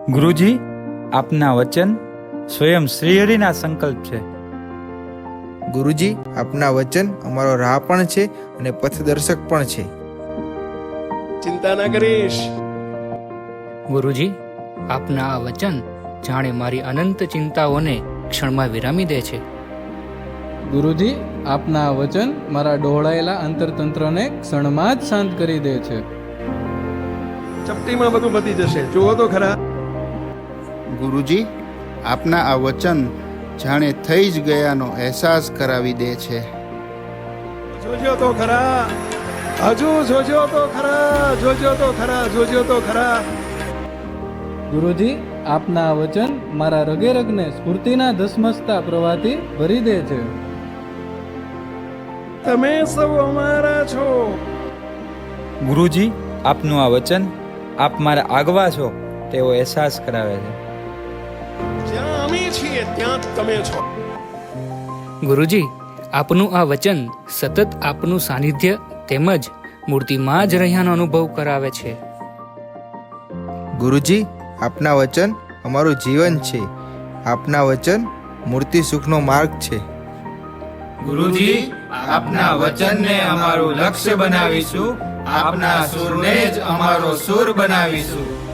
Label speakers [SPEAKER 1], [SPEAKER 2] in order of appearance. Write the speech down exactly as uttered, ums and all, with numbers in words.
[SPEAKER 1] ગુરુજી, આપના વચન સ્વયં શ્રીહરિના સંકલ્પ છે.
[SPEAKER 2] ગુરુજી, આપના વચન અમારો રાહ પણ છે અને પથદર્શક પણ છે.
[SPEAKER 3] ચિંતા ના કરીશ.
[SPEAKER 4] ગુરુજી, આપના આ વચન જાણે મારી અનંત ચિંતાઓને ક્ષણમાં વિરામી દે છે.
[SPEAKER 5] ગુરુજી, આપના આ વચન મારા ડહોળાયેલા અંતરતંત્રને ક્ષણમાં જ શાંત કરી દે છે.
[SPEAKER 3] ચપટીમાં બધું પતી જશે. જુઓ તો ખરા.
[SPEAKER 6] ગુરુજી, આપના આ વચન જાણે થઈ જ ગયાનો અહેસાસ કરાવી દે છે.
[SPEAKER 3] જોજો તો ખરા. હજુ જોજો તો ખરા. જોજો તો ખરા. જોજો તો ખરા.
[SPEAKER 5] ગુરુજી, આપના આ વચન મારા રગે રગને સ્ફૂર્તિના ધસમસતા પ્રવાહથી ભરી દે છે.
[SPEAKER 3] તમે સૌ અમારા છો.
[SPEAKER 1] ગુરુજી, આપનું આ વચન આપ મારા આગવા છો તેવો અહેસાસ કરાવે છે.
[SPEAKER 3] જ્યાં અમે છીએ ત્યાં તમે છો.
[SPEAKER 4] ગુરુજી, આપનું આ વચન સતત આપનું સાનિધ્ય તેમજ મૂર્તિમાં જ રહ્યાનો અનુભવ કરાવે છે.
[SPEAKER 2] ગુરુજી, આપના વચન અમારું જીવન છે. આપના વચન મૂર્તિ સુખનો માર્ગ છે.
[SPEAKER 7] ગુરુજી, આપના વચનને અમારું લક્ષ્ય બનાવીશું, આપના સુરને જ અમારો સુર બનાવીશું.